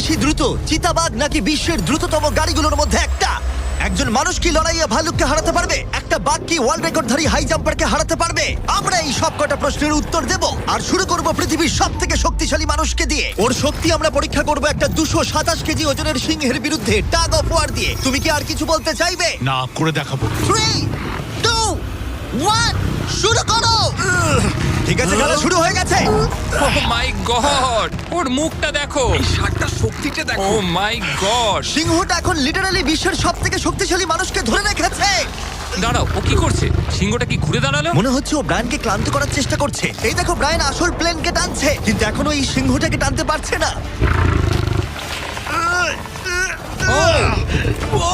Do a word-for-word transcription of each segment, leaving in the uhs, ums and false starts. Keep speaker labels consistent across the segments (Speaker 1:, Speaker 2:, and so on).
Speaker 1: বেশি দ্রুত, চিতাবাঘ নাকি বিশ্বের দ্রুততম গাড়িগুলোর মধ্যে একটা? একজন মানুষ কি লড়াইয়ে ভালুককে হারাতে পারবে? একটা বাঘ কি ওয়ার্ল্ড রেকর্ডধারী হাই জাম্পারকে হারাতে পারবে? আমরা এই সব কটা প্রশ্নের উত্তর দেব আর শুরু করব পৃথিবীর সব থেকে শক্তিশালী মানুষকে দিয়ে। ওর শক্তি আমরা পরীক্ষা করব একটা দুশো সাতাশ কেজি ওজনের সিংহের বিরুদ্ধে টাগ অফ ওয়ার দিয়ে। তুমি কি আর কিছু বলতে চাইবে?
Speaker 2: না, করে দেখাবো।
Speaker 1: থ্রি টু ওয়ান শুরু করো। ঠিক আছে, খেলা শুরু হয়ে গেছে।
Speaker 3: ও মাই গড, ওর মুখটা দেখো,
Speaker 4: এই শার্টটার শক্তিটা
Speaker 3: ও
Speaker 4: দেখো।
Speaker 3: মাই গড।
Speaker 1: সিংহটা এখন লিটারালি বিশ্বের সব থেকে শক্তিশালী মানুষকে ধরে রেখেছে।
Speaker 3: দাঁড়াও, ও কি করছে? সিংহটা কি ঘুরে দাঁড়ালো?
Speaker 1: মনে হচ্ছে ও ব্রায়ানকে ক্লান্ত করার চেষ্টা করছে। এই দেখো, ব্রায়ান আসল প্লেনকে টানছে, কিন্তু এখনো এই সিংহটাকে টানতে পারছে না।
Speaker 3: ও
Speaker 4: ও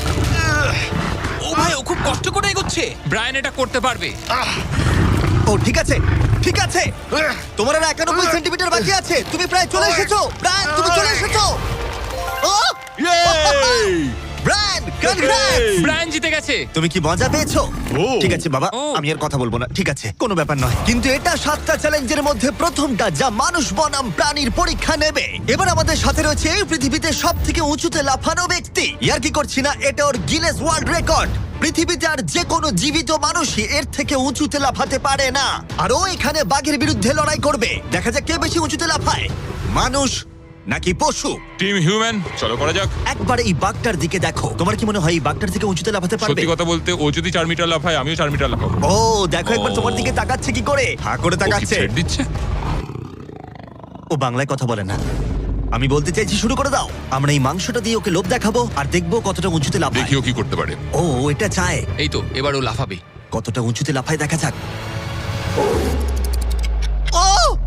Speaker 4: ও ভাই, ও খুব কষ্ট করে এগোচ্ছে।
Speaker 3: ব্রায়ান এটা করতে পারবে।
Speaker 1: ও ঠিক আছে, ঠিক আছে। তোমার আর একানব্বই সেন্টিমিটার বাকি আছে। তুমি প্রায় চলে এসেছো ব্রায়ান, তুমি চলে এসেছো। ও ব্রায়ান, কনগ্রেটস!
Speaker 3: ব্রায়ান জিতে গেছে।
Speaker 1: তুমি কি মজা পেয়েছো?
Speaker 2: ও।
Speaker 1: ঠিক আছে বাবা,
Speaker 3: ও।
Speaker 1: আমি আর কথা বলবো না। ঠিক আছে, কোনো ব্যাপার নয়। কিন্তু এটা সাতটা চ্যালেঞ্জের মধ্যে প্রথমটা যা মানুষ বনাম প্রাণীর পরীক্ষা নেবে। এবার আমাদের সাথে রয়েছে এই পৃথিবীতে সব থেকে উঁচুতে লাফানো ব্যক্তি। ইয়ার কি করছি না, এটা ওর গিনেস ওয়ার্ল্ড রেকর্ড। পৃথিবীতে আর যে কোনো জীবিত মানুষই এর থেকে উঁচুতে লাফাতে পারে না। আর ও এখানে বাঘের বিরুদ্ধে লড়াই করবে। দেখা যাক কে বেশি উঁচুতে লাফায়, মানুষ নাকি পশু।
Speaker 5: টিম হিউম্যান, চলো করা যাক।
Speaker 1: একবার এই বাঘটার দিকে দেখো। তোমার কি মনে হয় এই বাঘটার থেকে উঁচুতে লাফাতে পারবে?
Speaker 5: সত্যি কথা বলতে, ও যদি চার মিটার লাফায়, আমিও চার মিটার লাফাবো।
Speaker 1: ও দেখো একবার
Speaker 5: ও।
Speaker 1: তোমার দিকে তাকাচ্ছে কি করে, হা করে
Speaker 5: ও কি
Speaker 1: তাকাচ্ছে।
Speaker 5: ছেড়ে দিচ্ছে?
Speaker 1: ও বাংলায় কথা বলে না। আমি বলতে চাইছি শুরু করে দাও। আমরা এই মাংসটা দিয়ে ওকে লোভ দেখাবো আর দেখবো কতটা উঁচুতে লাফায়।
Speaker 5: দেখি ও কি করতে পারে।
Speaker 1: ও ও এটা চায়।
Speaker 3: এই তো, এবার ও লাফাবে।
Speaker 1: কতটা উঁচুতে লাফায় দেখা যাক। ও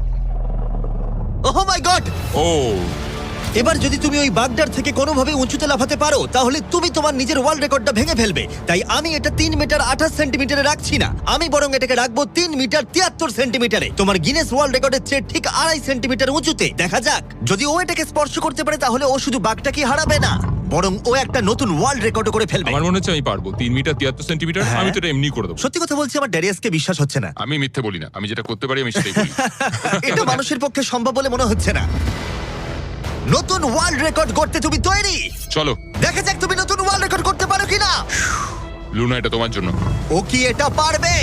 Speaker 1: ওহ মাই গড!
Speaker 5: ও
Speaker 1: এবার যদি তুমি ওই বাগদার থেকে কোনোভাবে উঁচুতে লাফাতে পারো, তাহলে তুমি তোমার নিজের ওয়ার্ল্ড রেকর্ডটা ভেঙে ফেলবে। তাই আমি এটা তিন মিটার আঠাশ সেন্টিমিটারে রাখছি না, আমি বরং এটাকে রাখবো তিন মিটার তিয়াত্তর সেন্টিমিটারে। তোমার গিনেস ওয়ার্ল্ড রেকর্ডের চেয়ে ঠিক আড়াই সেন্টিমিটার উঁচুতে। দেখা যাক, যদি ও এটাকে স্পর্শ করতে পারে তাহলে ও শুধু বাঘটাকে হারাবে না, বরং ও একটা নতুন ওয়ার্ল্ড রেকর্ড করে ফেলবে।
Speaker 5: আমার মনে হচ্ছে আমি পারবো। তিন মিটার তিয়াত্তর সেন্টিমিটার,
Speaker 1: হ্যাঁ।
Speaker 5: আমি তো এটা এমনি করে দেবো।
Speaker 1: সত্যি কথা বলছি, আমার ড্যারিয়াসকে বিশ্বাস হচ্ছে না।
Speaker 5: আমি মিথ্যে বলি না, আমি যেটা করতে পারি আমি সেটাই বলি।
Speaker 1: এটা মানুষের পক্ষে সম্ভব বলে মনে হচ্ছে না। নতুন ওয়ার্ল্ড রেকর্ড করতে তুমি তৈরি?
Speaker 5: চলো
Speaker 1: দেখা যাক তুমি নতুন ওয়ার্ল্ড রেকর্ড করতে পারো কিনা।
Speaker 5: লুনা, এটা তোমার জন্য।
Speaker 1: ও কি এটা পারবে?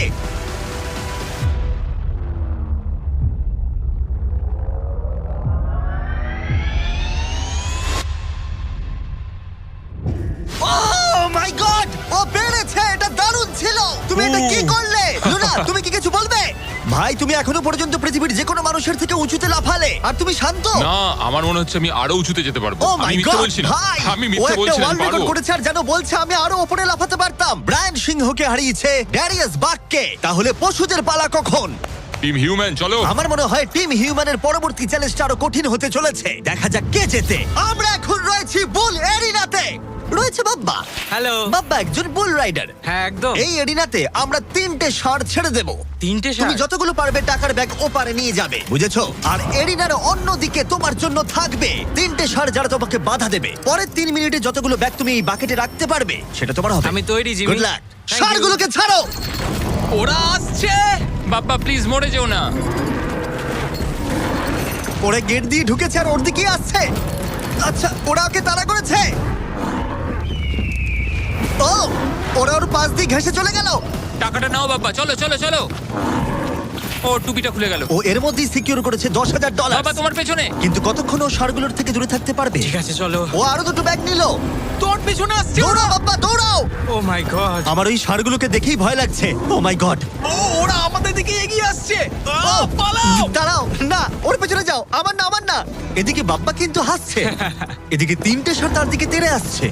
Speaker 1: Oh my God! ও পেরেছে! এটা দারুণ ছিল! তুমি এটা কি করলে? লুনা, তুমি কি কিছু বলবে? ভাই, তুমি এখনো পর্যন্ত পৃথিবীর যে কোনো মানুষের থেকে উঁচুতে লাফালে, আর তুমি শান্ত।
Speaker 5: না, আমার মনে হচ্ছে আমি আরো উঁচুতে যেতে পারবো।
Speaker 1: ও
Speaker 5: আমি
Speaker 1: মাই
Speaker 5: মিথ্যে
Speaker 1: গড
Speaker 5: বলছি না,
Speaker 1: ভাই!
Speaker 5: আমি
Speaker 1: ও
Speaker 5: মিথ্যে
Speaker 1: একটা
Speaker 5: বলছি না, আমি
Speaker 1: ওয়ার্ল্ড রেকর্ড
Speaker 5: পারবো।
Speaker 1: করেছে আর যেন বলছে আমি আরো উপরে লাফাতে পারতাম। ব্রায়ান সিংহকে হারিয়েছে ড্যারিয়াস বাককে। তাহলে পশুদের পালা কখন?
Speaker 5: টিম হিউম্যান, চলো।
Speaker 1: আমার মনে হয় টিম হিউম্যানের পরবর্তী চ্যালেঞ্জটা আরো কঠিন হতে চলেছে। দেখা যাক কে জেতে। আমরা এখন রয়েছি বুল এরিনাতে। রয়েছে বাব্বা।
Speaker 4: হ্যালো।
Speaker 1: বাব্বা একজন বুল রাইডার।
Speaker 4: হ্যাঁ, একদম।
Speaker 1: এই এরিনাতে আমরা তিনটে ষাঁড় ছেড়ে দেব।
Speaker 4: তিনটে
Speaker 1: তুমি
Speaker 4: ষাঁড়?
Speaker 1: যতগুলো পারবে টাকার ব্যাগ ওপারে নিয়ে যাবে, বুঝেছো? আর এরিনার অন্যদিকে তোমার জন্য থাকবে তিনটে ষাঁড় যারা তোমাকে বাধা দেবে। পরের তিন মিনিটে যতগুলো ব্যাগ তুমি এই বাকেটে রাখতে পারবে সেটা তোমার হবে।
Speaker 4: আমি তৈরি, Jimmy.
Speaker 1: Good luck.
Speaker 4: Thank you.
Speaker 1: ষাঁড়গুলোকে ছাড়ো।
Speaker 4: ওরা আসছে।
Speaker 3: বাপ্পা প্লিজ মরে যেও না।
Speaker 1: ওরা গেট দিয়ে ঢুকেছে আর ওর দিকেই আসছে। আচ্ছা, ওরা ওকে তাড়া করেছে। ও, ওরা ওর পাশ দিয়ে ঘেসে চলে গেল।
Speaker 3: টাকাটা নাও বাপ্পা, চলো চলো চলো। ও টুপিটা খুলে গেল।
Speaker 1: ও এর মধ্যেই সিকিউর করেছে দশ হাজার ডলার।
Speaker 3: বাবা তোমার পেছনে।
Speaker 1: কিন্তু কতক্ষণ ও ষাঁড়গুলোর থেকে দূরে থাকতে পারবে?
Speaker 4: ঠিক আছে, চলো।
Speaker 1: ও আরো দুটো ব্যাগ নিল।
Speaker 4: তোর পিছনে আসছে।
Speaker 1: দৌড়াও বাবা, দৌড়াও।
Speaker 4: Oh my god.
Speaker 1: আমার ওই ষাঁড়গুলোকে দেখেই ভয় লাগছে। ও মাই গড।
Speaker 4: ও, ওরা আমাদের দিকে এগিয়ে আসছে। ও, পালাও।
Speaker 1: দাঁড়াও, না, ওর পেছনে যাও। আমার না, আমার না। এদিকে বাপ্পা কিন্তু হাসছে, এদিকে তিনটে ষাঁড় তার দিকে তেড়ে আসছে।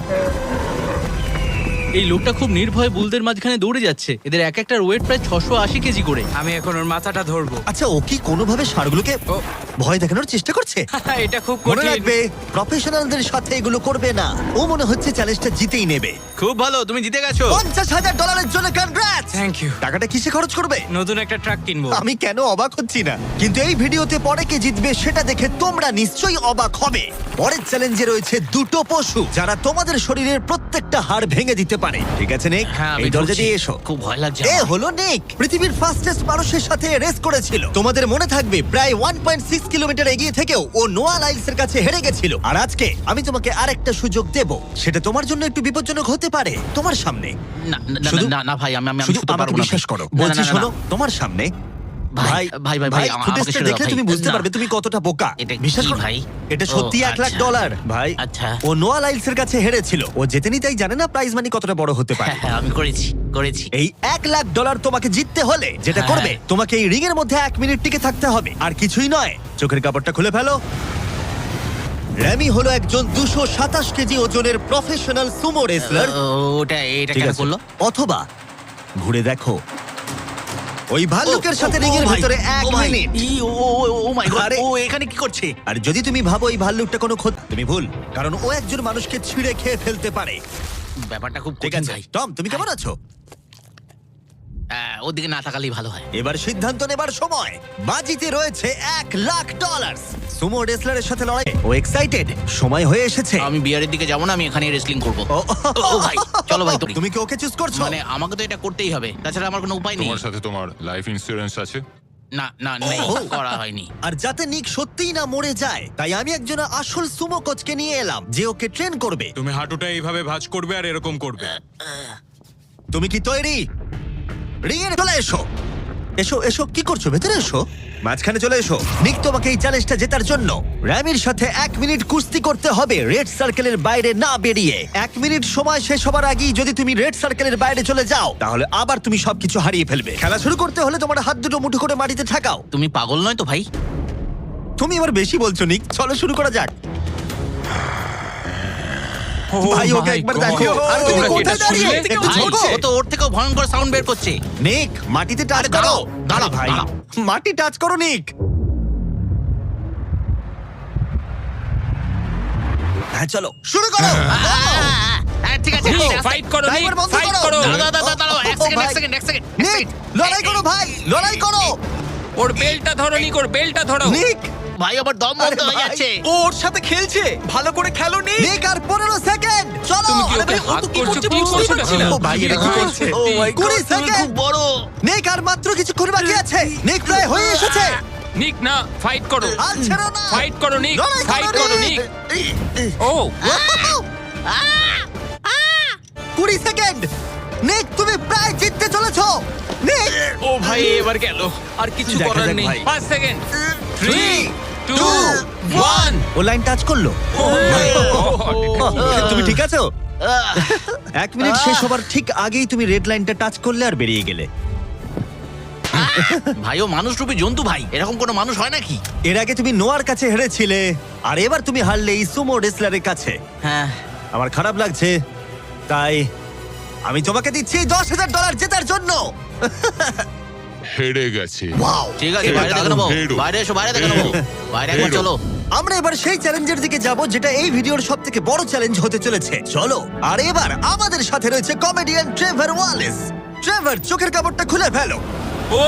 Speaker 6: এই লোকটা খুব নির্ভয়ে বুলদের মাঝখানে দৌড়ে যাচ্ছে। এদের এক একটার ওয়েট প্রায় ছশো আশি কেজি করে।
Speaker 4: আমি এখন ওর মাথাটা ধরবো।
Speaker 1: আচ্ছা, ও কি কোনোভাবে ষাঁড়গুলোকে
Speaker 4: ও।
Speaker 1: ভয় দেখানোর চেষ্টা করছে?
Speaker 4: এটা খুব
Speaker 1: মনে
Speaker 4: কঠিন।
Speaker 1: রাখবে, প্রফেশনালদের সাথে এগুলো করবে না। ও মনে হচ্ছে চ্যালেঞ্জটা জিতেই নেবে।
Speaker 6: খুব ভালো, তুমি জিতে গেছো।
Speaker 1: পঞ্চাশ হাজার ডলারের জন্য কনগ্রাটস।
Speaker 4: Thank you.
Speaker 1: টাকাটা কিসে খরচ করবে?
Speaker 4: নতুন একটা ট্রাক কিনবো।
Speaker 1: আমি কেন অবাক হচ্ছি না, কিন্তু এই ভিডিওতে পরে কে জিতবে সেটা দেখে তোমরা নিশ্চয়ই অবাক হবে। পরের চ্যালেঞ্জে রয়েছে দুটো পশু যারা তোমাদের শরীরের প্রত্যেকটা হাড় ভেঙে দিতে পারে। ঠিক আছে নিক,
Speaker 6: হ্যাঁ আমি
Speaker 1: এই দরজা
Speaker 6: ঢুকছি।
Speaker 1: দিয়ে এসো।
Speaker 6: খুব ভয় লাগছে
Speaker 1: এ
Speaker 6: আমার।
Speaker 1: হলো নিক, পৃথিবীর ফাস্টেস্ট মানুষের সাথে রেস করেছিল। তোমাদের মনে থাকবে প্রায় ওয়ান পয়েন্ট সিক্স কিলোমিটার এগিয়ে থেকেও ও নোয়া লাইলসের কাছে হেরে গেছিল। আর আজকে আমি তোমাকে আরেকটা সুযোগ দেব, সেটা তোমার জন্য একটু বিপজ্জনক হতে পারে। তোমার সামনে
Speaker 6: না না, না,
Speaker 1: শুধু-
Speaker 6: না না ভাই আমি আমি আমি
Speaker 1: শুধু
Speaker 6: শুতে
Speaker 1: আমাকে
Speaker 6: পারবো না
Speaker 1: বিশ্বাস
Speaker 6: ভাই।
Speaker 1: করো,
Speaker 6: না, না,
Speaker 1: বলছি
Speaker 6: না, না,
Speaker 1: শোনো,
Speaker 6: না।
Speaker 1: তোমার সামনে
Speaker 6: ভাই ভাই ভাই ভাই আমা- আমাকে
Speaker 1: ফুটেজটা
Speaker 6: ছেড়ে দাও
Speaker 1: দেখলে
Speaker 6: ভাই।
Speaker 1: তুমি বুঝতে
Speaker 6: না।
Speaker 1: পারবে তুমি কতটা বোকা।
Speaker 6: এটা কি
Speaker 1: বিশ্বাস করো
Speaker 6: ভাই?
Speaker 1: এটা সত্যি
Speaker 6: ও,
Speaker 1: এক লাখ
Speaker 6: আচ্ছা।
Speaker 1: ডলার ভাই।
Speaker 6: আচ্ছা।
Speaker 1: ও নোয়া লাইলসের কাছে হেরেছিল, ও জেতেনি তাই জানে না প্রাইজ মানি কতটা বড় হতে পারে।
Speaker 6: হ্যাঁ হ্যাঁ আমি করেছি করেছি
Speaker 1: এই এক লাখ ডলার তোমাকে জিততে হলে যেটা
Speaker 6: হ্যাঁ।
Speaker 1: করবে, তোমাকে এই রিং এর মধ্যে এক মিনিট টিকে থাকতে হবে, আর কিছুই নয়। চোখের কাপড়টা খুলে ফেলো। র্যামি হলো একজন দুশো সাতাশ কেজি ওজনের প্রফেশনাল সুমো রেসলার।
Speaker 6: ও, ওটা এটা
Speaker 1: ঠিক
Speaker 6: কেন
Speaker 1: আছে,
Speaker 6: করলো?
Speaker 1: অথবা ঘুরে দেখো ওই ভাল্লুকের সাথে
Speaker 6: ও,
Speaker 1: রিং এর
Speaker 6: ও ভাই,
Speaker 1: ভিতরে এক
Speaker 6: ও ভাই,
Speaker 1: minute.
Speaker 6: E, O O, O, O my god,
Speaker 1: আরে।
Speaker 6: ও এখানে কি করছে?
Speaker 1: আর যদি তুমি ভাবো এই ভাল্লুকটা কোনো ক্ষতি, তুমি ভুল, কারণ ও একজন মানুষকে ছিঁড়ে খেয়ে ফেলতে পারে।
Speaker 6: ব্যাপারটা খুব
Speaker 1: ঠিক
Speaker 6: কঠিন
Speaker 1: আছে
Speaker 6: ভাই।
Speaker 1: টম, তুমি কেমন আছো?
Speaker 6: আহ, ওদিকে না তাকালেই ভালো হয়।
Speaker 1: এবার সিদ্ধান্ত নেবার সময়। বাজিতে রয়েছে এক লাখ ডলার। সুমো রেসলারের সাথে লড়াই, ও এক্সাইটেড, সময় হয়ে এসেছে।
Speaker 6: আমি বিয়ারের দিকে যাবো না, আমি এখানে রেসলিং করবো।
Speaker 1: ও,
Speaker 6: ও ভাই চলো ভাই তুমি
Speaker 1: তুমি কি ওকে চুজ করছো?
Speaker 6: মানে আমাকে তো এটা করতেই হবে, তাছাড়া আমার কোনো উপায় নেই।
Speaker 5: তোমার সাথে তোমার লাইফ ইন্স্যুরেন্স আছে?
Speaker 6: না না নেই,
Speaker 1: ও।
Speaker 6: করা হয়নি।
Speaker 1: আর যাতে নিক সত্যিই না মরে যায়, তাই আমি একজন আসল সুমো কোচকে নিয়ে এলাম যে ওকে ট্রেন করবে।
Speaker 2: তুমি হাঁটুটা এইভাবে ভাঁজ করবে আর এরকম করবে।
Speaker 1: তুমি কি তৈরি? রিং এ চলে এসো। এসো এসো, কি করছো? ভেতরে এসো, মাঝখানে চলে এসো। নিক তোমাকে এই চ্যালেঞ্জটা জেতার জন্য র্যামির সাথে এক মিনিট কুস্তি করতে হবে রেড সার্কেলের বাইরে না বেরিয়ে। এক মিনিট সময় শেষ হবার আগেই যদি তুমি রেড সার্কেলের বাইরে চলে যাও, তাহলে আবার তুমি সবকিছু হারিয়ে ফেলবে। খেলা শুরু করতে হলে তোমার হাত দুটো মুঠো করে মাটিতে ঠাকাও।
Speaker 6: তুমি পাগল নয় তো ভাই?
Speaker 1: তুমি এবার বেশি বলছো নিক, চলো শুরু করা যাক। ভাই ওকে
Speaker 3: my
Speaker 1: একবার
Speaker 3: God!
Speaker 1: দেখো। আর তুমি
Speaker 3: তোমরা কি
Speaker 1: কোথায়
Speaker 3: এটা
Speaker 1: দাঁড়িয়ে?
Speaker 3: শুনলে?
Speaker 1: একটু
Speaker 6: ভাই,
Speaker 1: ঝোঁকো।
Speaker 6: ও তো ওর থেকেও ভয়ঙ্কর সাউন্ড বের করছে।
Speaker 1: নিক মাটিতে টাচ
Speaker 6: আরে
Speaker 1: করো।
Speaker 6: দাঁড়াও, দাঁড়াও,
Speaker 1: আরে ভাই
Speaker 6: দাঁড়াও।
Speaker 1: মাটি টাচ করো নিক। হ্যাঁ চলো শুরু করো।
Speaker 6: হ্যাঁ ঠিক আছে,
Speaker 3: নিক,
Speaker 6: আস্তে, আস্তে।
Speaker 3: ফাইট করো, নিক,
Speaker 1: ড্রাইভার বন্ধ
Speaker 3: ফাইট
Speaker 1: করো।
Speaker 3: করো।
Speaker 6: দাঁড়াও, দাঁড়াও, দাঁড়াও, দাঁড়াও, এক
Speaker 1: ও,
Speaker 6: সেকেন্ড, এক
Speaker 1: ভাই।
Speaker 6: সেকেন্ড, এক সেকেন্ড, এক
Speaker 1: নিক
Speaker 6: সেকেন্ড।
Speaker 1: লড়াই করো ভাই, লড়াই করো।
Speaker 3: ওর বেলটা ধরো, নিক, ওর বেলটা ধরো।
Speaker 1: নিক
Speaker 6: ভাই আমার দম
Speaker 1: আরে
Speaker 6: বন্ধ হয়ে
Speaker 1: ভাই।
Speaker 6: যাচ্ছে।
Speaker 4: ও ওর সাথে খেলছে, ভালো করে খেলো নি।
Speaker 1: নিক আর পনেরো সেকেন্ড চলো।
Speaker 3: তুমি কি
Speaker 1: আরে
Speaker 3: ওকে
Speaker 1: ভাই, ও
Speaker 3: হাত
Speaker 1: তো কি
Speaker 3: করছো?
Speaker 1: করছে
Speaker 3: কি
Speaker 1: বুঝতেই
Speaker 3: করছো
Speaker 1: পারছি
Speaker 3: না?
Speaker 1: না। ও ভাই এটা কি
Speaker 3: কি
Speaker 1: করছে?
Speaker 3: করছে?
Speaker 1: ও মাই
Speaker 6: কুড়ি
Speaker 1: গড,
Speaker 6: সেকেন্ড খুব বড়।
Speaker 1: নিক আর মাত্র কিছুক্ষণ বাকি আছে। নিক প্রায় হয়ে এসেছে।
Speaker 3: নিক না, ফাইট করো,
Speaker 1: আর ছেড়ো না।
Speaker 3: ফাইট করো নিক,
Speaker 1: লড়াই
Speaker 3: ফাইট করো নিক। ও
Speaker 1: কুড়ি সেকেন্ড। নিক তুমি প্রায় জিততে চলেছো। নিক
Speaker 4: ও ভাই এবার গেল, আর কিছু
Speaker 1: দেখা
Speaker 4: করার
Speaker 1: যাক
Speaker 4: নেই।
Speaker 1: ভাই।
Speaker 3: পাঁচ second, three
Speaker 1: Three,
Speaker 3: two
Speaker 1: two,
Speaker 3: one.
Speaker 1: ও লাইন টাচ করলো। তুমি ঠিক আছো? এক মিনিট শেষ হবার ঠিক আগেই তুমি রেড লাইনটা টাচ করলে আর বেরিয়ে গেলে।
Speaker 6: ভাই ও মানুষ রূপী জন্তু ভাই, এরকম কোনো মানুষ হয় নাকি?
Speaker 1: এর আগে তুমি নোয়ার কাছে হেরেছিলে, আর এবার তুমি হারলে এই সুমো রেসলারের কাছে।
Speaker 6: হ্যাঁ
Speaker 1: আমার খারাপ লাগছে, তাই আমি তোমাকে দিচ্ছি দশ হাজার ডলার জেতার জন্য।
Speaker 5: হেরে গেছে।
Speaker 1: ওয়াও,
Speaker 6: ঠিক আছে,
Speaker 1: এবার
Speaker 6: বাইরে দেখে
Speaker 1: দারুণ।
Speaker 6: নেবো,
Speaker 5: হেরো।
Speaker 6: বাইরে এসো, বাইরে দেখে নেবো,
Speaker 5: হেরো।
Speaker 6: বাইরে একবার
Speaker 5: হেরো।
Speaker 6: চলো।
Speaker 1: আমরা এবার সেই চ্যালেঞ্জের দিকে যাব যেটা এই ভিডিওর সব থেকে বড় চ্যালেঞ্জ হতে চলেছে। চলো। আর এবার আমাদের সাথে রয়েছে কমেডিয়ান ট্রেভার ওয়ালেস। ট্রেভার চোখের কাপড়টা খুলে ফেলো।
Speaker 2: ও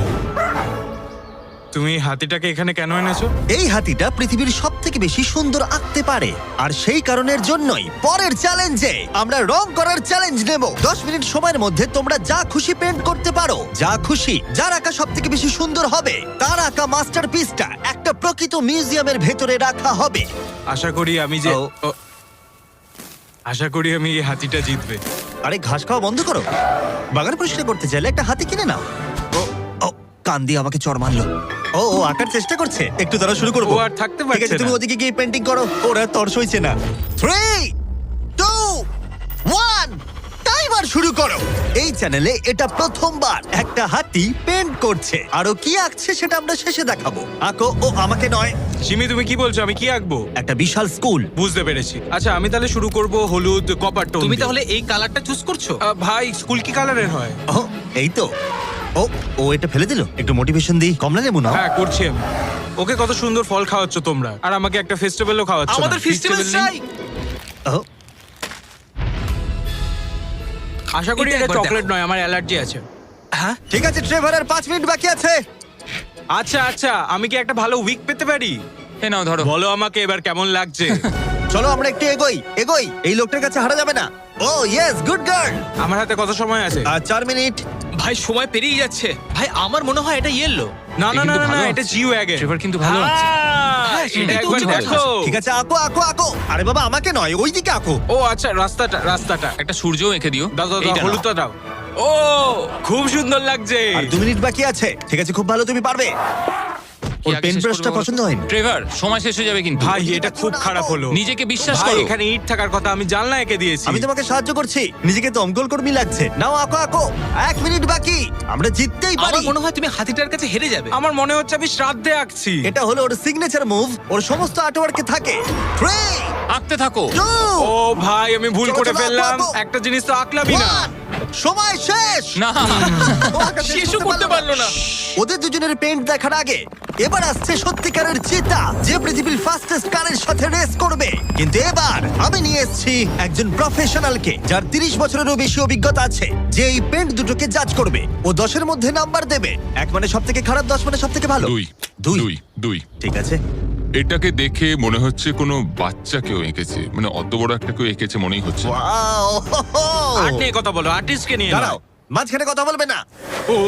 Speaker 2: তুমি হাতিটাকে এখানে কেন এনেছো?
Speaker 1: এই হাতিটা পৃথিবীর সব থেকে বেশি সুন্দর আঁকতে পারে, আর সেই কারণের জন্যই পরের চ্যালেঞ্জে আমরা রং করার চ্যালেঞ্জ নেব। দশ মিনিট সময়ের মধ্যে তোমরা যা খুশি পেন্ট করতে পারো, যা খুশি। যার আঁকা সব থেকে বেশি সুন্দর হবে তার আঁকা মাস্টারপিসটা একটা প্রকৃত মিউজিয়ামের ভেতরে রাখা হবে।
Speaker 2: আশা করি আমি যে
Speaker 1: ও।
Speaker 2: ও, আশা করি আমি এই হাতিটা জিতবে।
Speaker 1: আরে ঘাস খাওয়া বন্ধ করো। বাগান পরিষ্কার করতে চাইলে একটা হাতি কিনে নাও। ও ও কান দিয়ে আমাকে চড় মারলো। ও ও আঁকার চেষ্টা করছে, একটু দ্বারা শুরু করবো।
Speaker 2: ও আর থাকতে
Speaker 1: ঠিক আছে,
Speaker 2: পারছে
Speaker 1: তুমি
Speaker 2: না।
Speaker 1: ওদিকে গিয়ে পেন্টিং করো, ওরা তর সইছে না। থ্রি টু ওয়ান টাইমার শুরু করো। এই চ্যানেলে এটা প্রথমবার একটা হাতি পেন্ট করছে, আরো কি আঁকছে সেটা আমরা শেষে দেখাবো। আঁকো। ও আমাকে নয়,
Speaker 2: সিমি তুমি কি বলছো? আমি কি আঁকবো?
Speaker 1: একটা বিশাল স্কুল।
Speaker 2: বুঝতে পেরেছি। আচ্ছা আমি তাহলে শুরু করব হলুদ কপার টোন
Speaker 4: তুমি
Speaker 2: দিয়ে।
Speaker 4: তাহলে এই কালারটা চুজ করছো?
Speaker 2: আহ, ভাই স্কুল কি কালারের হয়?
Speaker 1: ও এই তো। ও ও এটা ফেলে দিল। একটু মোটিভেশন দিই, কমলা লেবু নাও।
Speaker 2: হ্যাঁ করছি আমি। ওকে কত সুন্দর ফল খাওয়াচ্ছ তোমরা, আর আমাকে একটা ফেস্টিভ্যালও খাওয়াচ্ছ না।
Speaker 4: আমাদের ফেস্টিভ্যাল
Speaker 2: Festival নেই?
Speaker 4: চাই।
Speaker 1: ও
Speaker 2: আশা করি
Speaker 4: এটা
Speaker 2: এটা
Speaker 4: একবার
Speaker 2: চকলেট
Speaker 4: দেখো।
Speaker 2: নয়, আমার অ্যালার্জি আছে।
Speaker 4: হ্যাঁ
Speaker 1: ঠিক আছে ট্রেভার, আর পাঁচ মিনিট বাকি আছে।
Speaker 2: আচ্ছা আচ্ছা আমি কি একটা ভালো উইক পেতে পারি?
Speaker 3: এ নাও ধরো।
Speaker 2: বলো আমাকে এবার কেমন লাগছে।
Speaker 1: চলো আমরা একটু এগোই এগোই, এই লোকটার কাছে হারা যাবে না। Oh yes, good girl.
Speaker 2: আমার হাতে কত সময় আছে?
Speaker 1: আর চার মিনিট।
Speaker 4: ভাই সময় পেরিয়ে যাচ্ছে। ভাই আমার মনে হয় এটা ইয়েলো।
Speaker 2: না না
Speaker 3: এ
Speaker 2: না
Speaker 3: কিন্তু
Speaker 2: না,
Speaker 3: ভালো
Speaker 2: না
Speaker 3: আছে।
Speaker 2: এটা জিও আগে।
Speaker 3: ট্রেভার কিন্তু ভালো আছে।
Speaker 4: হ্যাঁ,
Speaker 2: এটা
Speaker 4: সেটাই তো
Speaker 2: একবার
Speaker 4: উচিত কথা।
Speaker 2: দেখো।
Speaker 1: ঠিক আছে, আঁকো আঁকো আঁকো। আরে বাবা, আমাকে নয়, ওইদিকে আঁকো।
Speaker 2: ও আচ্ছা, রাস্তাটা রাস্তাটা
Speaker 3: একটা সূর্যও এঁকে দিও।
Speaker 2: দাও দাও দাও,
Speaker 3: এইটা নাও।
Speaker 2: হলুদটা দাও। ও খুব সুন্দর লাগছে।
Speaker 1: আর দু মিনিট বাকি আছে। ঠিক আছে, খুব ভালো, তুমি পারবে।
Speaker 3: কি
Speaker 1: ওর
Speaker 3: আগে
Speaker 1: পেন
Speaker 3: শেষ
Speaker 1: ব্রাশটা
Speaker 3: করবে বলো?
Speaker 1: পছন্দ হয়নি।
Speaker 3: ট্রেভার, সময় শেষ হয়ে যাবে কিন্তু।
Speaker 2: ভাই এটা খুব খারাপ হলো।
Speaker 3: নিজেকে বিশ্বাস
Speaker 2: ভাই
Speaker 3: করো।
Speaker 2: এখানে ইট থাকার কথা, আমি জানলা এঁকে দিয়েছি।
Speaker 1: আমি তোমাকে সাহায্য করছি, নিজেকে দমকল কর্মী লাগছে। নাও আঁকো আঁকো। এক মিনিট বাকি, আমরা জিততেই পারি।
Speaker 4: আমার মনে হয় তুমি হাতিটার কাছে হেরে যাবে।
Speaker 2: আমার মনে হচ্ছে আমি শ্রাদ্ধে আঁকছি।
Speaker 1: এটা হলো ওর সিগনেচার মুভ, ওর সমস্ত আর্টওয়ার্কে থাকে। থ্রি,
Speaker 3: আঁকতে থাকো।
Speaker 1: টু,
Speaker 2: ও ভাই আমি ভুল
Speaker 1: চলো,
Speaker 2: করে
Speaker 1: চলো,
Speaker 2: ফেললাম।
Speaker 1: আঁকো, আঁকো।
Speaker 2: একটা জিনিস তো আঁকলামই না।
Speaker 1: ওয়ান। সময় শেষ।
Speaker 3: না
Speaker 1: ও আঁকা শেষ
Speaker 4: শেষও করতে পারলো না।
Speaker 1: ওদের দুজনের পেন্ট দেখার আগে এবার আসছে সত্যিকারের চিতা, যে পৃথিবীর ফাস্টেস্ট কারের সাথে রেস করবে। কিন্তু এবার আমি নিয়ে এসেছি একজন প্রফেশনালকে, যার তিরিশ বছরেরও বেশি অভিজ্ঞতা আছে, যে এই পেন্ট দুটোকে জাজ করবে। ও দশের মধ্যে নাম্বার দেবে। এক মানে সব থেকে খারাপ, দশ মানে সব থেকে ভালো।
Speaker 5: দুই
Speaker 1: দুই।
Speaker 5: দুই দুই
Speaker 1: ঠিক আছে।
Speaker 5: এটাকে দেখে মনে হচ্ছে কোনো বাচ্চা কেউ এঁকেছে, মানে অত বড় একটা কেউ এঁকেছে মনেই হচ্ছে না।
Speaker 1: Wow!
Speaker 2: আর্ট নিয়ে কথা বলো, আর্টিস্টকে নিয়ে
Speaker 1: দাঁড়াও,
Speaker 2: নয়।
Speaker 1: মাঝখানে কথা বলবে না।
Speaker 2: ও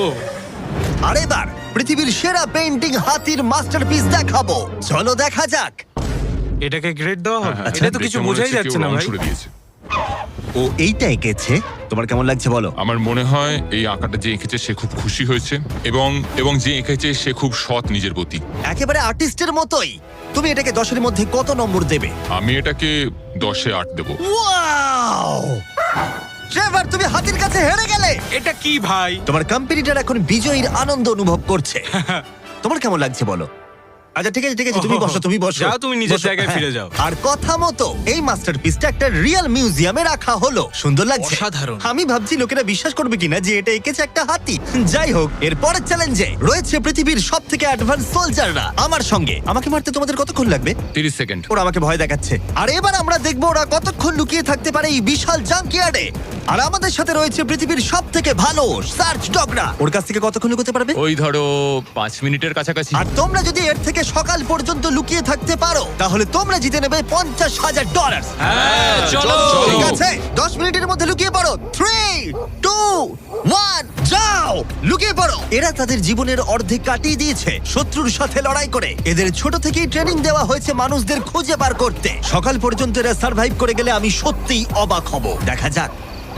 Speaker 1: আর এবার পৃথিবীর সেরা পেন্টিং হাতির মাস্টারপিস দেখাবো। চলো দেখা যাক।
Speaker 2: এটাকে গ্রেড দেওয়া হবে?
Speaker 5: হ্যাঁ,
Speaker 2: এটা তো
Speaker 5: দেখে
Speaker 2: কিছু
Speaker 5: মনে
Speaker 2: বোঝাই
Speaker 5: হচ্ছে
Speaker 2: যাচ্ছে
Speaker 5: কেউ
Speaker 2: না
Speaker 5: রং
Speaker 2: ভাই।
Speaker 5: ছুড়ে দিয়েছে।
Speaker 1: ও এইটা এঁকেছে, তোমার কেমন লাগছে বলো?
Speaker 5: আমার মনে হয় এই আঁকাটা যে এঁকেছে সে খুব খুশি হয়েছে, এবং এবং যে এঁকেছে সে খুব সৎ নিজের প্রতি।
Speaker 1: একেবারে আর্টিস্টের মতোই। তুমি এটাকে দশের মধ্যে কত নম্বর দেবে?
Speaker 5: আমি এটাকে দশে আট দেবো।
Speaker 1: ওয়াও! ট্রেভার, তুমি হাতির কাছে হেরে গেলে।
Speaker 2: এটা কি ভাই?
Speaker 1: তোমার কম্পিটিটর এখন বিজয়ীর আনন্দ অনুভব করছে। তোমার কেমন লাগছে বলো? আচ্ছা ঠিক আছে ঠিক আছে, তুমি বসো তুমি বসো।
Speaker 2: যাও, তুমি নিজের
Speaker 1: বসো,
Speaker 2: জায়গায়
Speaker 1: হ্যাঁ।
Speaker 2: ফিরে যাও।
Speaker 1: আর কথা মতো এই মাস্টারপিসটা একটা রিয়েল মিউজিয়ামে রাখা হলো। সুন্দর লাগছে।
Speaker 4: অসাধারণ।
Speaker 1: আমি ভাবছি লোকেরা বিশ্বাস করবে কিনা যে এটা এঁকেছে একটা হাতি। যাই হোক, এর পরের চ্যালেঞ্জে রয়েছে পৃথিবীর সব থেকে অ্যাডভান্স সোলজাররা আমার সঙ্গে। আমাকে মারতে তোমাদের কতক্ষণ লাগবে?
Speaker 3: তিরিশ সেকেন্ড।
Speaker 1: ওরা আমাকে ভয় দেখাচ্ছে। আর এবার আমরা দেখবো ওরা কতক্ষণ লুকিয়ে থাকতে পারে এই বিশাল জাঙ্কিয়ার্ডে। আর আমাদের সাথে রয়েছে পৃথিবীর সব থেকে ভালো সার্চ ডগরা। ওর কাছ থেকে কতক্ষণ লুকোতে পারবে?
Speaker 3: ওই ধরো পাঁচ মিনিটের কাছাকাছি।
Speaker 1: আর তোমরা যদি এর থেকে সকাল পর্যন্ত লুকিয়ে থাকতে পারো, তাহলে তোমরা জিতে নেবে পঞ্চাশ হাজার ডলার।
Speaker 2: হ্যাঁ, চলো।
Speaker 1: ঠিক আছে, দশ মিনিটের মধ্যে লুকিয়ে পড়ো। থ্রি, টু, ওয়ান, যাও লুকিয়ে পড়ো। এরা তাদের জীবনের অর্ধেক কাটিয়ে দিয়েছে শত্রুর সাথে লড়াই করে। এদের ছোট থেকেই ট্রেনিং দেওয়া হয়েছে মানুষদের খুঁজে বার করতে। সকাল পর্যন্ত এরা সার্ভাইভ করে গেলে আমি সত্যিই অবাক হব। দেখা যাক।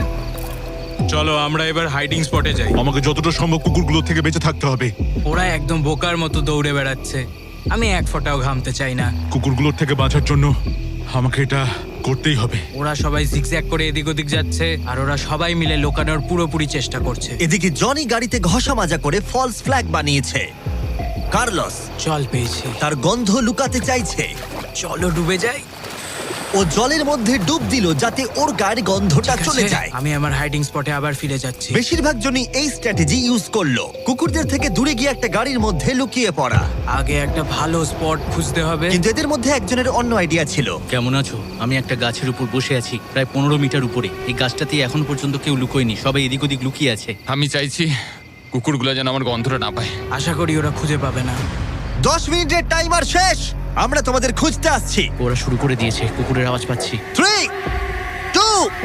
Speaker 2: চলো আমরা এবার হাইডিং স্পটে যাই।
Speaker 7: আমাকে যতটা সম্ভব কুকুরগুলো থেকে বেঁচে থাকতে হবে।
Speaker 2: ওরা একদম বোকার মতো দৌড়ে বেড়াচ্ছে। আমি এক ফোঁটাও ঘামতে চাই না।
Speaker 7: কুকুরগুলোর থেকে বাঁচার জন্য আমাকে এটা করতেই হবে।
Speaker 2: ওরা সবাই জিগজ্যাগ করে এদিক ওদিক যাচ্ছে, আর ওরা সবাই মিলে লোকানোর পুরোপুরি চেষ্টা করছে।
Speaker 1: এদিকে জনি গাড়িতে ঘষা মাজা করে ফলস ফ্ল্যাগ বানিয়েছে। কার্লস
Speaker 2: জল পেয়েছি,
Speaker 1: তার গন্ধ লুকাতে চাইছে।
Speaker 2: চলো ডুবে যাই।
Speaker 1: ও জলের মধ্যে ডুব দিল যাতে ওর গায়ের গন্ধটা চলে যায়।
Speaker 2: আমি আমার হাইডিং স্পটে আবার ফিরে যাচ্ছি।
Speaker 1: বেশিরভাগ জনই এই স্ট্র্যাটেজি ইউজ করলো, কুকুরদের থেকে দূরে গিয়ে একটা গাড়ির মধ্যে লুকিয়ে পড়া।
Speaker 2: আগে একটা ভালো স্পট খুঁজতে হবে।
Speaker 1: কিন্তু এদের মধ্যে একজনের অন্য আইডিয়া ছিল।
Speaker 6: কেমন আছো? আমি একটা গাছের উপর বসে আছি, প্রায় পনেরো মিটার উপরে। এই গাছটাতে এখন পর্যন্ত কেউ লুকোয়নি, সবাই এদিক ওদিক লুকিয়ে আছে।
Speaker 3: আমি চাইছি কুকুরগুলো যেন আমার গন্ধটা না পায়।
Speaker 2: আশা করি ওরা খুঁজে পাবে না।
Speaker 1: দশ মিনিটের টাইমার শেষ, আমরা তোমাদের খুঁজতে আসছি।
Speaker 6: ওরা শুরু করে দিয়েছে, কুকুরের আওয়াজ পাচ্ছি।
Speaker 1: থ্রি, টু,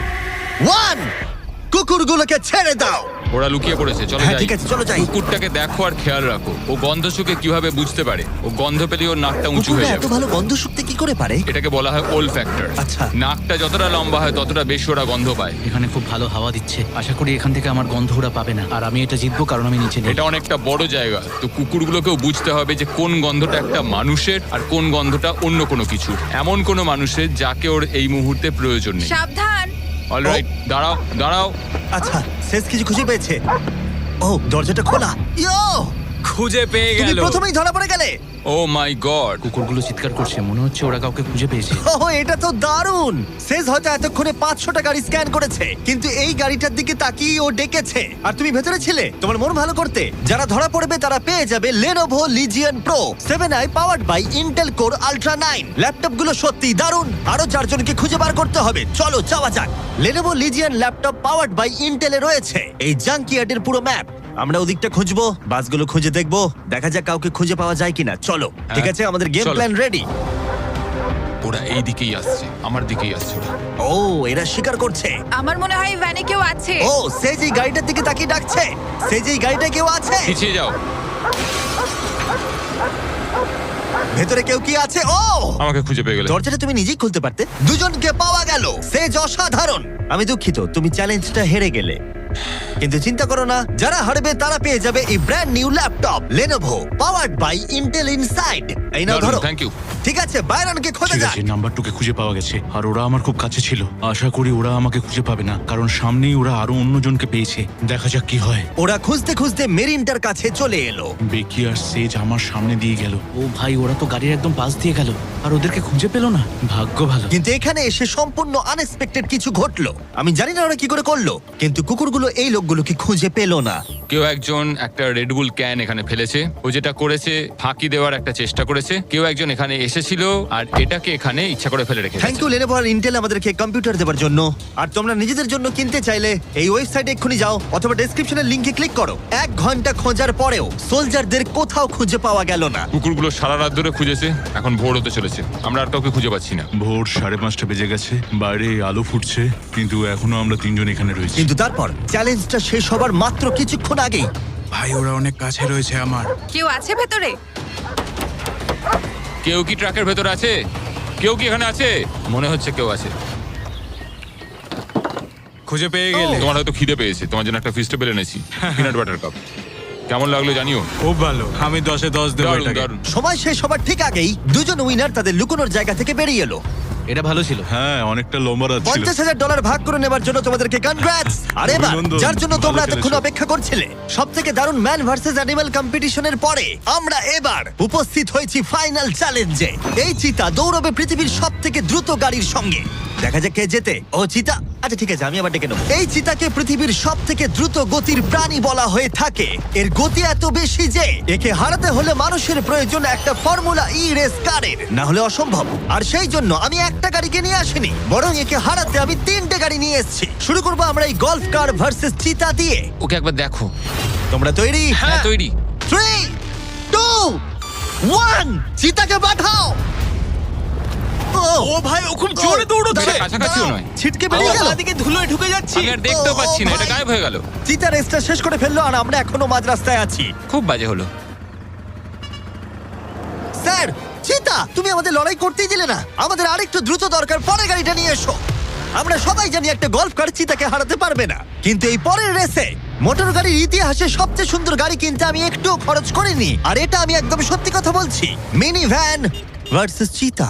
Speaker 1: ওয়ান, কুকুরগুলোকে ছেড়ে দাও।
Speaker 3: ওরা লুকিয়ে পড়েছে, চলো
Speaker 1: হ্যাঁ,
Speaker 3: যাই।
Speaker 1: ঠিক আছে, চলো যাই।
Speaker 3: কুকুরটাকে দেখো আর খেয়াল রাখো, ও গন্ধ শুকে কিভাবে বুঝতে পারে। ও গন্ধ পেলে ওর নাকটা উঁচু
Speaker 1: কুকুররা
Speaker 3: হয়ে
Speaker 1: এত
Speaker 3: যাবে।
Speaker 1: ভালো গন্ধ শুকতে কি করে পারে?
Speaker 3: এটাকে বলা হয় ওল ফ্যাক্টর।
Speaker 1: আচ্ছা।
Speaker 3: নাকটা যতটা লম্বা হয় ততটা বেশি ওরা গন্ধ পায়।
Speaker 6: এখানে খুব ভালো হাওয়া দিচ্ছে, আশা করি এখান থেকে আমার গন্ধ ওরা পাবে না। আর আমি এটা জিতবো কারণ আমি নিচে নেই।
Speaker 3: এটা অনেকটা বড় জায়গা, তো কুকুরগুলোকেও বুঝতে হবে যে কোন গন্ধটা একটা মানুষের আর কোন গন্ধটা অন্য কোনো কিছুর। এমন কোনো মানুষের যাকে ওর এই মুহূর্তে প্রয়োজন নেই।
Speaker 8: সাবধান।
Speaker 3: অলরাইট, দাঁড়াও দাঁড়াও।
Speaker 1: আচ্ছা, শেষ কিছু খুঁজে পেয়েছে। ও, দরজাটা খোলা। ইয়ো,
Speaker 2: খুঁজে পেয়ে
Speaker 1: তুমি
Speaker 2: গেল।
Speaker 1: প্রথমেই ধরা পড়ে গেলে।
Speaker 3: Oh my god.
Speaker 6: কুকুরগুলো চিৎকার করছে, মনে হচ্ছে ওরা কাউকে খুঁজে পেয়েছে।
Speaker 1: ওহ, এটা তো দারুণ। শেষ হয়তো এতক্ষণে পাঁচশোটা গাড়ি স্ক্যান করেছে, কিন্তু এই গাড়িটার দিকে তাকিয়ে ও ডেকেছে। আর তুমি ভেতরে ছিলে তোমার মন ভালো করতে। যারা ধরা পড়বে তারা পেয়ে যাবে Lenovo Legion Pro seven i powered by Intel Core Ultra nine. ল্যাপটপগুলো সত্যিই দারুণ। আরো চারজনকে খুঁজে বার করতে হবে। চলো যাওয়া যাক। Lenovo Legion laptop powered by Intel এ রয়েছে এই জাঙ্কিয়ার্ডের পুরো ম্যাপ। আমরা ওদিকটা খুঁজবো, বাসগুলো খুঁজে দেখবো, দেখা যাক কাউকে খুঁজে পাওয়া যায় কিনা। চলো, ঠিক আছে, আমাদের গেম
Speaker 3: চলো।
Speaker 1: Plan ready.
Speaker 3: ওরা এই দিকেই আসছে, আমার দিকেই আসছে ওরা।
Speaker 1: ও এরা স্বীকার করছে।
Speaker 8: আমার মনে হয় ভ্যানে কেউ আছে।
Speaker 1: ও সে যেই গাড়িটার দিকে তাকিয়ে ডাকছে, সে যেই গাড়িটা কেউ আছে।
Speaker 3: পিছিয়ে যাও।
Speaker 1: ভেতরে কেউ কি আছে? ও
Speaker 5: আমাকে খুঁজে পেয়ে গেলে।
Speaker 1: দরজাটা তুমি নিজেই খুলতে পারতে। দুজনকে পাওয়া গেল, সে অসাধারণ। আমি দুঃখিত, তুমি চ্যালেঞ্জটা হেরে গেলে, কিন্তু চিন্তা করো না, যারা হারবে তারা পেয়ে যাবে এই brand new laptop Lenovo powered by Intel inside. এই নাও ধরো।
Speaker 3: Thank you.
Speaker 1: ঠিক আছে, বাইরনকে খোঁজা
Speaker 7: ঠিক
Speaker 1: যাক।
Speaker 7: আছে, নাম্বারটুকে খুঁজে পাওয়া গেছে আর ওরা আমার খুব কাছে ছিল। আশা করি ওরা আমাকে খুঁজে পাবে না, কারণ সামনেই ওরা আরো অন্যজনকে পেয়েছে। দেখা যাক কি হয়।
Speaker 1: ওরা খুঁজতে খুঁজতে মেরিনটার কাছে চলে এলো।
Speaker 7: বেকি আর সেজ আমার সামনে দিয়ে গেল।
Speaker 6: ও ভাই, ওরা তো গাড়ির একদম পাশ দিয়ে গেল আর ওদেরকে খুঁজে পেলো না। ভাগ্য ভালো।
Speaker 1: কিন্তু এখানে এসে সম্পূর্ণ আনএক্সপেক্টেড কিছু ঘটলো। আমি জানি না ওরা কি করে করলো, কিন্তু কুকুরগুলো এই লোকগুলোকে খুঁজে পেলো না।
Speaker 3: কেউ একজন একটা রেডবুল ক্যান এখানে ফেলেছে। ও যেটা করেছে, ফাঁকি দেওয়ার একটা চেষ্টা করেছে। কেউ একজন এখানে এসেছিল আর এটাকে এখানে ইচ্ছা করে ফেলে রেখেছে।
Speaker 1: থ্যাংক ইউ Lenovo আর ইন্টেল আমাদেরকে কম্পিউটার দেওয়ার জন্য। আর তোমরা নিজেদের জন্য কিনতে চাইলে এই ওয়েবসাইটে এক্ষুনি যাও অথবা ডেসক্রিপশনের লিংকে ক্লিক করো। এক ঘন্টা খোঁজার পরেও সোলজারদের কোথাও খুঁজে পাওয়া গেল না।
Speaker 5: কুকুরগুলো সারা রাত ধরে খুঁজেছে, এখন ভোর হতে চলেছে, আমরা আর কাউকে খুঁজে পাচ্ছি না।
Speaker 7: ভোর সাড়ে পাঁচটা বেজে গেছে, বাইরে আলো ফুটছে, কিন্তু এখনো আমরা তিনজন এখানে রয়েছি।
Speaker 1: কিন্তু তারপর চ্যালেঞ্জটা শেষ হবার মাত্র কিছুক্ষণ আগেই
Speaker 2: ভাই ওরা অনেক কাছে রয়েছে আমার।
Speaker 8: কেউ আছে ভেতরে?
Speaker 3: কেউ কি ট্রাকের ভেতর আছে? কেউ কি এখানে আছে? মনে হচ্ছে কেউ আছে।
Speaker 2: খুঁজে পেয়ে গেলে।
Speaker 5: তোমার হয়তো খিদে পেয়েছে, তোমার জন্য একটা ফিস্টেবল এনেছি, পিনাট বাটার কাপ। কেমন লাগলো জানিও।
Speaker 2: খুব ভালো, আমি দশে দশ দেবো
Speaker 3: দারুণ
Speaker 2: এটাকে।
Speaker 3: দারুণ।
Speaker 1: সময় শেষ হবার ঠিক আগেই দুজন উইনার তাদের লুকোনোর জায়গা থেকে বেরিয়ে এলো।
Speaker 6: এটা ভালো ছিল।
Speaker 7: হ্যাঁ, অনেকটা লম্বা রাত ছিল।
Speaker 1: পঞ্চাশ হাজার ডলার ভাগ করে নেবার জন্য তোমাদেরকে কনগ্রাটস। আর এবার
Speaker 7: অভিনন্দন,
Speaker 1: যার জন্য
Speaker 7: ভালো
Speaker 1: তোমরা
Speaker 7: খেলেছো।
Speaker 1: এতক্ষণ অপেক্ষা করছিলে, সব থেকে দারুণ ম্যান ভার্সেস অ্যানিমাল কম্পিটিশনের পরে আমরা এবার উপস্থিত হয়েছি ফাইনাল চ্যালেঞ্জে। এই চিতা দৌড়বে পৃথিবীর সব থেকে দ্রুত গাড়ির সঙ্গে। দেখা যাক কে জেতে। ও চিতা, আচ্ছা ঠিক আছে, আমি আবার ডেকে নেবো। এই চিতাকে পৃথিবীর সব থেকে দ্রুত গতির প্রাণী বলা হয়ে থাকে। এর গতি এত বেশি যে একে হারাতে হলে মানুষের প্রয়োজন একটা ফর্মুলা ই রেস কারের, না হলে অসম্ভব। আর সেই জন্য আমি একটা গাড়িকে নিয়ে আসিনি, বরং একে হারাতে আমি তিনটে গাড়ি নিয়ে এসেছি। শুরু করবো আমরা এই গলফ কার ভার্সেস চিতা দিয়ে।
Speaker 3: ওকে একবার দেখো।
Speaker 1: তোমরা তৈরি?
Speaker 3: হ্যাঁ তৈরি।
Speaker 1: থ্রি টু ওয়ান, চিতাকে পাঠাও।
Speaker 4: ও ভাই, ও খুব জোরে দৌড়চ্ছে।
Speaker 1: দাঁড়াও,
Speaker 3: কাছাকাছিও
Speaker 1: দাঁড়াও।
Speaker 3: নয়।
Speaker 1: ছিটকে বেরিয়ে গেল।
Speaker 4: দিকে ধুলোয় ঢুকে যাচ্ছি।
Speaker 3: আমি আর দেখতেও
Speaker 1: ও,
Speaker 3: পাচ্ছি না,
Speaker 1: ও
Speaker 3: এটা
Speaker 1: ভাই।
Speaker 3: গায়েব হয়ে গেল।
Speaker 1: চিতা রেসটা শেষ করে ফেললো আর আমরা এখনো মাঝ রাস্তায় আছি।
Speaker 3: খুব বাজে হলো।
Speaker 1: স্যার, চিতা তুমি আমাদের লড়াই করতেই দিলে না। আমাদের আরেকটু দ্রুত দরকার, পরে গাড়িটা নিয়ে এসো। আমরা সবাই জানি একটা গলফ কার চিতাকে হারাতে পারবে না, কিন্তু এই পরের রেসে মোটর গাড়ির ইতিহাসে সবচেয়ে সুন্দর গাড়ি কিনতে আমি একটুও খরচ করিনি। আর এটা আমি একদম সত্যি কথা বলছি। মিনি ভ্যান ভার্সেস চিতা।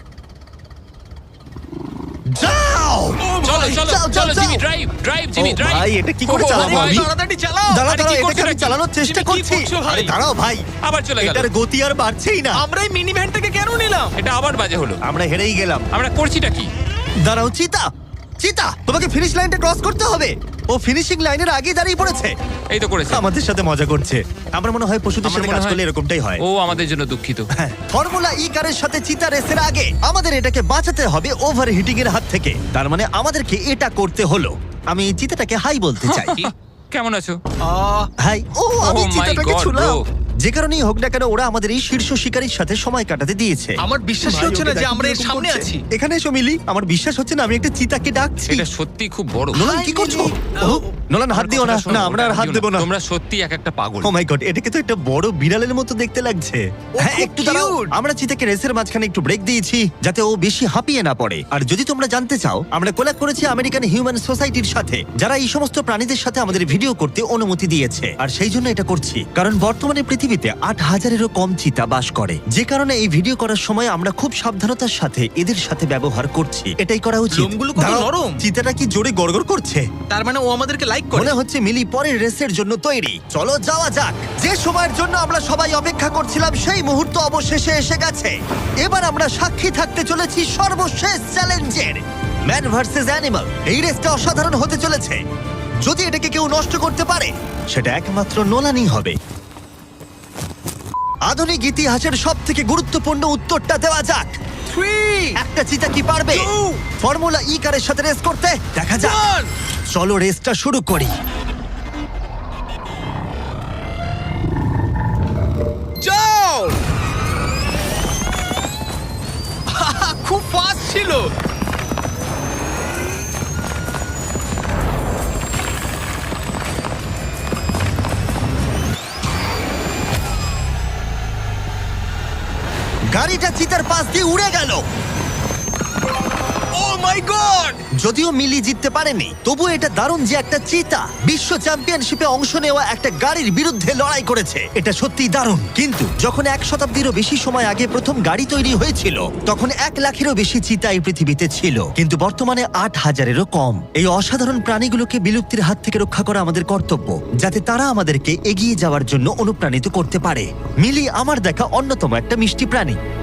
Speaker 1: যাও
Speaker 3: চলো চলো
Speaker 1: যাও,
Speaker 3: চলো
Speaker 1: যাও,
Speaker 3: জিমি,
Speaker 1: যাও।
Speaker 3: ড্রাইভ ড্রাইভ জিমি,
Speaker 1: ও
Speaker 3: ড্রাইভ।
Speaker 1: ভাই, এটা কি করে
Speaker 3: ও
Speaker 1: চালাবো
Speaker 3: ভাই,
Speaker 1: আমি?
Speaker 4: তাড়াতাড়ি চালাও।
Speaker 1: দাঁড়াও
Speaker 3: আরে,
Speaker 1: দাঁড়াও,
Speaker 3: কি
Speaker 1: এটাকে
Speaker 3: করছো
Speaker 1: আমি
Speaker 3: নাকি?
Speaker 1: চালানোর চেষ্টা
Speaker 4: জিমি, কি
Speaker 1: করছি।
Speaker 4: করছো ভাই?
Speaker 1: আরে দাঁড়াও ভাই,
Speaker 3: আবার চলে গেল।
Speaker 1: এটার গতি আর বাড়ছেই না।
Speaker 4: আমরা এই মিনি ভ্যানটাকে কেন নিলাম?
Speaker 3: এটা আবার বাজে হলো।
Speaker 1: আমরা হেরেই গেলাম।
Speaker 3: আমরা করছিটা কি?
Speaker 1: দাঁড়াও চিতা, চিতা তোমাকে ফিনিশ লাইনটা ক্রস করতে হবে। ও ফিনিশিং লাইনের আগে দাঁড়িয়ে পড়েছে।
Speaker 3: এই তো করেছে।
Speaker 1: আমাদের সাথে মজা করছে। আমার মনে হয় পশুদের
Speaker 3: আমাদের
Speaker 1: সাথে
Speaker 3: মনে
Speaker 1: কাজ
Speaker 3: হয়-
Speaker 1: করলে এরকমটাই হয়।
Speaker 3: ও আমাদের জন্য দুঃখিত।
Speaker 1: হ্যাঁ, ফর্মুলা ই কারের সাথে চিতা রেসের আগে আমাদের এটাকে বাঁচাতে হবে ওভার হিটিং এর হাত থেকে। তার মানে আমাদেরকে এটা করতে হলো। আমি চিতাটাকে হাই বলতে চাই।
Speaker 3: কি? কেমন আছো?
Speaker 1: হাই। ও আমি
Speaker 3: Oh my
Speaker 1: চিতাটাকে
Speaker 3: God,
Speaker 1: ছুলাম।
Speaker 3: bro.
Speaker 1: যে কারণেই হোক না কেন, ওরা আমাদের এই শীর্ষ শিকারীর সাথে সময় কাটাতে দিয়েছে।
Speaker 4: আমার বিশ্বাসই
Speaker 1: ভাই,
Speaker 4: হচ্ছে
Speaker 1: ওকে
Speaker 4: না যে
Speaker 1: দেখো
Speaker 4: আমরা এর
Speaker 1: কিরকম
Speaker 4: সামনে
Speaker 1: করছে।
Speaker 4: আছি।
Speaker 1: এখানে এসো মিলি, আমার বিশ্বাস হচ্ছে না আমি একটা চিতাকে ডাকছি।
Speaker 3: এটা সত্যি খুব বড়।
Speaker 1: নোলান কি করছো? ও, নোলান হাত দিও না।
Speaker 3: কথাটা শোনো,
Speaker 1: না আমরা আর
Speaker 3: ওটা
Speaker 1: হাত
Speaker 3: দিও
Speaker 1: দেবো না।
Speaker 3: তোমরা সত্যি এক একটা পাগল।
Speaker 1: ও মাই গড, এটাকে তো একটা বড় বিড়ালের মতো দেখতে লাগছে। হ্যাঁ,
Speaker 4: খুব
Speaker 1: একটু দাঁড়াও।
Speaker 4: cute।
Speaker 1: আমরা চিতাকে রেসের মাঝখানে একটু ব্রেক দিয়েছি যাতে ও বেশি হাঁপিয়ে না পড়ে। আর যদি তোমরা জানতে চাও, আমরা কোলাব করেছি আমেরিকান হিউম্যান সোসাইটির সাথে, যারা এই সমস্ত প্রাণীদের সাথে আমাদের ভিডিও করতে অনুমতি দিয়েছে। আর সেই জন্য এটা করছি কারণ বর্তমানে পৃথিবীতে আট হাজারেরও কম চিতা বাস করে, যে কারণে এই ভিডিও করার সময় আমরা খুব সাবধানতার সাথে এদের সাথে ব্যবহার করছি। এটাই করা উচিত।
Speaker 4: লোমগুলো কত
Speaker 1: দাঁড়াও,
Speaker 4: নরম।
Speaker 1: চিতাটা কি জোরে গড়গড় করছে।
Speaker 4: তার মানে ও আমাদেরকে লাইক করে।
Speaker 1: মনে হচ্ছে মিলি পরের রেসের জন্য তৈরি। চলো যাওয়া যাক। যে সময়ের জন্য আমরা সবাই অপেক্ষা করছিলাম সেই মুহূর্ত অবশেষে এসে গেছে। এবার আমরা সাক্ষী থাকতে চলেছি সর্বশেষ চ্যালেঞ্জের, ম্যান ভার্সেস অ্যানিমাল। এই রেসটা অসাধারণ হতে চলেছে। যদি এটাকে কেউ নষ্ট করতে পারে, সেটা একমাত্র নোলানই হবে। আধুনিক ইতিহাসের সব থেকে গুরুত্বপূর্ণ উত্তরটা দেওয়া যাক।
Speaker 4: Three,
Speaker 1: একটা চিতা কি পারবে
Speaker 4: Two,
Speaker 1: ফর্মুলা ই কারের সাথে রেস করতে? দেখা যাক।
Speaker 4: one.
Speaker 1: চলো রেসটা শুরু করি।
Speaker 4: যাও। খুব
Speaker 1: গাড়িটা চিতার পাশ দিয়ে উড়ে গেল।
Speaker 4: Oh my god!
Speaker 1: যদিও মিলি জিততে পারেনি, তবু এটা দারুণ যে একটা চিতা বিশ্ব চ্যাম্পিয়নশিপে অংশ নেওয়া একটা গাড়ির বিরুদ্ধে লড়াই করেছে। এটা সত্যিই দারুণ। কিন্তু যখন এক শতাব্দীরও বেশি সময় আগে প্রথম গাড়ি তৈরি হয়েছিল, তখন এক লাখেরও বেশি চিতা এই পৃথিবীতে ছিল, কিন্তু বর্তমানে আট হাজারেরও কম। এই অসাধারণ প্রাণীগুলোকে বিলুপ্তির হাত থেকে রক্ষা করা আমাদের কর্তব্য, যাতে তারা আমাদেরকে এগিয়ে যাওয়ার জন্য অনুপ্রাণিত করতে পারে। মিলি আমার দেখা অন্যতম একটা মিষ্টি প্রাণী।